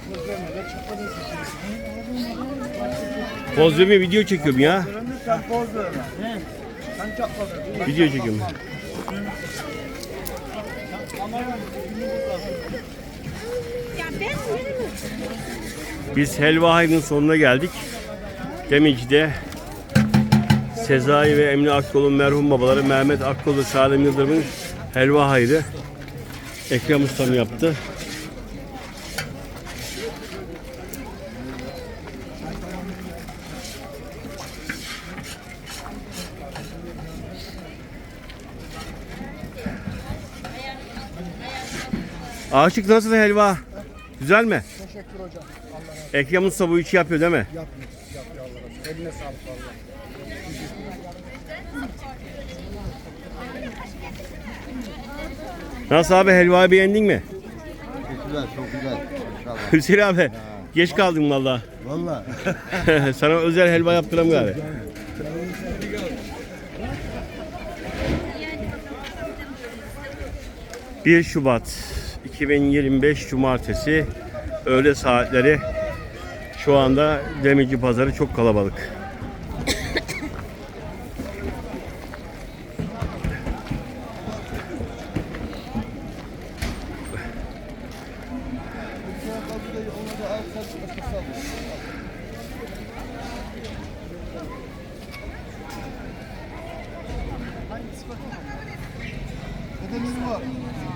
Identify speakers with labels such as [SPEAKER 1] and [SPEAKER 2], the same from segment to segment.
[SPEAKER 1] Poz vermeye video çekiyorum ya.
[SPEAKER 2] Sen poz verme. Sen çatladın.
[SPEAKER 1] Video çekiyorum. Biz helva hayrının sonuna geldik. Demirci'de Sezai ve Emine Akkol'un merhum babaları Mehmet Akkol ve Salim Yıldırım'ın helva hayrı Ekrem Ustam yaptı. Aşık nasıl helva? Güzel mi?
[SPEAKER 2] Teşekkür hocam. Allah razı olsun.
[SPEAKER 1] Ekrem Usta bu işi yapıyor değil mi?
[SPEAKER 2] Yapıyor Allah razı olsun. Eline sağlık valla.
[SPEAKER 1] Nasıl abi, helvayı beğendin mi?
[SPEAKER 3] Çok güzel, çok güzel. İnşallah.
[SPEAKER 1] Hüseyin abi geç kaldın valla.
[SPEAKER 3] Valla.
[SPEAKER 1] Sana özel helva yaptıram galiba. ...1 Şubat 2025 Cumartesi öğle saatleri, şu anda Demirci Pazarı çok kalabalık.
[SPEAKER 3] Dedemiz var.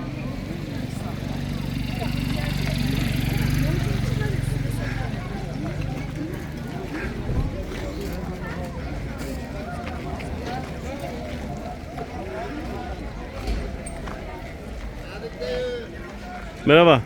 [SPEAKER 1] Merhaba.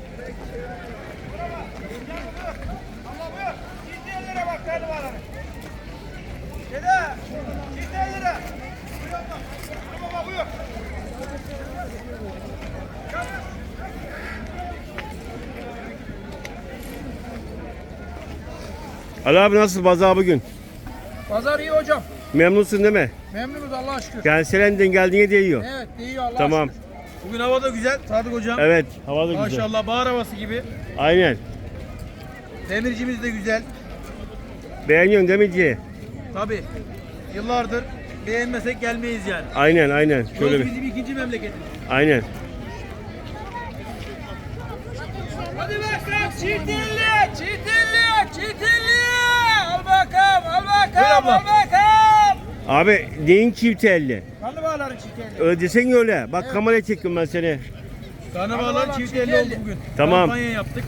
[SPEAKER 1] Ali abi nasıl pazar bugün?
[SPEAKER 2] Pazar iyi hocam.
[SPEAKER 1] Memnunsun değil mi?
[SPEAKER 2] Memnunuz Allah'a şükür.
[SPEAKER 1] Yani Selen'den geldiğine değiyor.
[SPEAKER 2] Evet iyi Allah'a
[SPEAKER 1] Tamam.
[SPEAKER 2] şükür. Bugün hava da güzel Sadık hocam.
[SPEAKER 1] Evet, hava da güzel.
[SPEAKER 2] Maşallah bahar havası gibi.
[SPEAKER 1] Aynen.
[SPEAKER 2] Demircimiz de güzel.
[SPEAKER 1] Beğeniyorsun Demirci.
[SPEAKER 2] Tabi. Yıllardır beğenmesek gelmeyiz yani.
[SPEAKER 1] Aynen, aynen. Şöyle
[SPEAKER 2] Burası
[SPEAKER 1] bir.
[SPEAKER 2] bizim ikinci memleketimiz.
[SPEAKER 1] Aynen.
[SPEAKER 2] Hadi bakalım çitilli, çitilli, çitilli. Al bakalım, al bakalım, al bakalım.
[SPEAKER 1] Abi neyin çift elli?
[SPEAKER 2] Karnabaharların çitilli.
[SPEAKER 1] Öyle desene öyle. Bak kameraya çekiyorum ben seni.
[SPEAKER 2] Karnabaharların çitilli oldu bugün.
[SPEAKER 1] Tamam.
[SPEAKER 2] Kampanya yaptık.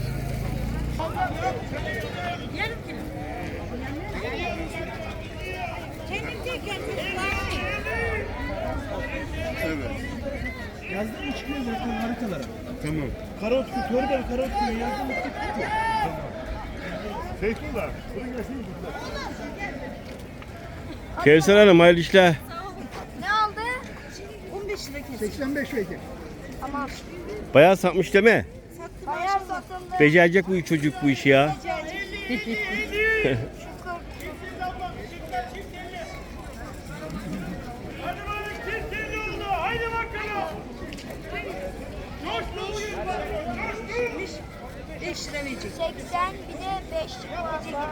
[SPEAKER 2] Yazdın mı çıkıyor zaten haritalara?
[SPEAKER 3] Tamam.
[SPEAKER 2] Karatköy, Torbalı Karatköy yazdın mı çıkıyor?
[SPEAKER 3] Feyzullah.
[SPEAKER 1] Kevser Hanım hayırlı işler.
[SPEAKER 4] Ne aldı? 15 lira kesin.
[SPEAKER 2] 85 vekil.
[SPEAKER 4] Tamam.
[SPEAKER 1] Bayağı satmış değil mi?
[SPEAKER 4] Bayağı satıldı.
[SPEAKER 1] Becerecek bu çocuk bu işi ya.
[SPEAKER 2] Haydi bakalım.
[SPEAKER 4] 5 lira verecek. 80 bir de 5 lira verecek.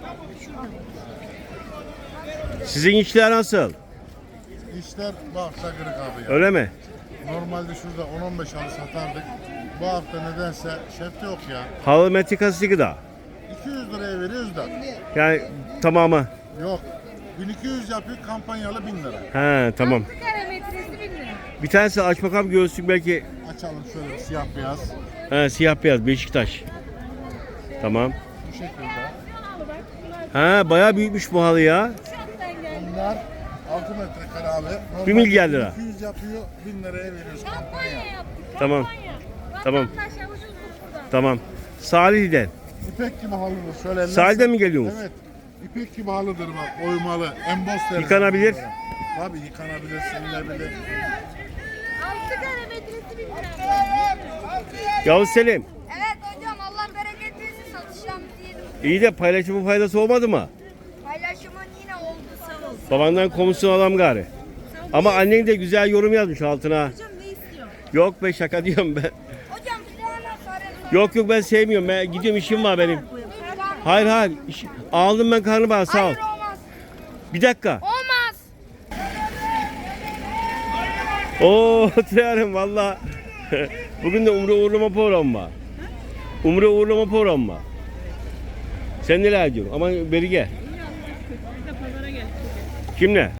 [SPEAKER 1] Sizin işler nasıl?
[SPEAKER 3] İşler bu hafta kırık abi ya.
[SPEAKER 1] Öyle mi?
[SPEAKER 3] Normalde şurada 10-15 halı satardık. Bu hafta nedense şefte yok ya.
[SPEAKER 1] Halı metrikası gıda.
[SPEAKER 3] 200 liraya veriyoruz da.
[SPEAKER 1] Yani tamamı.
[SPEAKER 3] Yok. 1200 yapıyor, kampanyalı 1000 lira.
[SPEAKER 1] He tamam.
[SPEAKER 4] Kilometresi 1000 lira.
[SPEAKER 1] Bir tanesi aç bakalım göğüslük belki.
[SPEAKER 3] Açalım şöyle siyah beyaz.
[SPEAKER 1] He, siyah beyaz Beşiktaş. Tamam.
[SPEAKER 3] Bu şekilde.
[SPEAKER 1] Ha bayağı büyükmüş bu halı ya.
[SPEAKER 3] Bunlar 6 metrekare abi. Normalde
[SPEAKER 1] 1 milyar lira.
[SPEAKER 3] 200 yapıyor, 1000 liraya veriyoruz kampanya.
[SPEAKER 1] Tamam. Tamam. Tamam. Salih'den.
[SPEAKER 3] İpek gibi halıdır. Şöyle
[SPEAKER 1] Sahilden mi geliyorsunuz?
[SPEAKER 3] Evet. İpek gibi halıdır bak. Oymalı. Emboss deriz.
[SPEAKER 1] Yıkanabilir.
[SPEAKER 3] bunlara. Tabii yıkanabilir, silinebilir.
[SPEAKER 4] 6 kilometresi 1000 lira.
[SPEAKER 1] Yavuz Selim.
[SPEAKER 4] Evet hocam Allah bereket versin satışlarımızı yedim.
[SPEAKER 1] İyi de paylaşımın faydası olmadı mı?
[SPEAKER 4] Paylaşımın yine oldu sağ olsun.
[SPEAKER 1] Babandan komisyon alam gari. Ama annen de güzel yorum yazmış altına.
[SPEAKER 4] Hocam ne istiyor?
[SPEAKER 1] Yok be şaka diyorum ben.
[SPEAKER 4] Hocam bir tane sarı
[SPEAKER 1] Yok yok ben sevmiyorum. Ben gidiyorum işim var benim. Hayır hayır. Aldım ben karnabahar sağ ol.
[SPEAKER 4] Hayır olmaz.
[SPEAKER 1] Bir dakika.
[SPEAKER 4] Olmaz.
[SPEAKER 1] Oo oturuyorum valla. Bugün de Umre uğurlama programı var. Umre uğurlama programı var. Sen neler diyorsun? Ama beri gel. Kimle?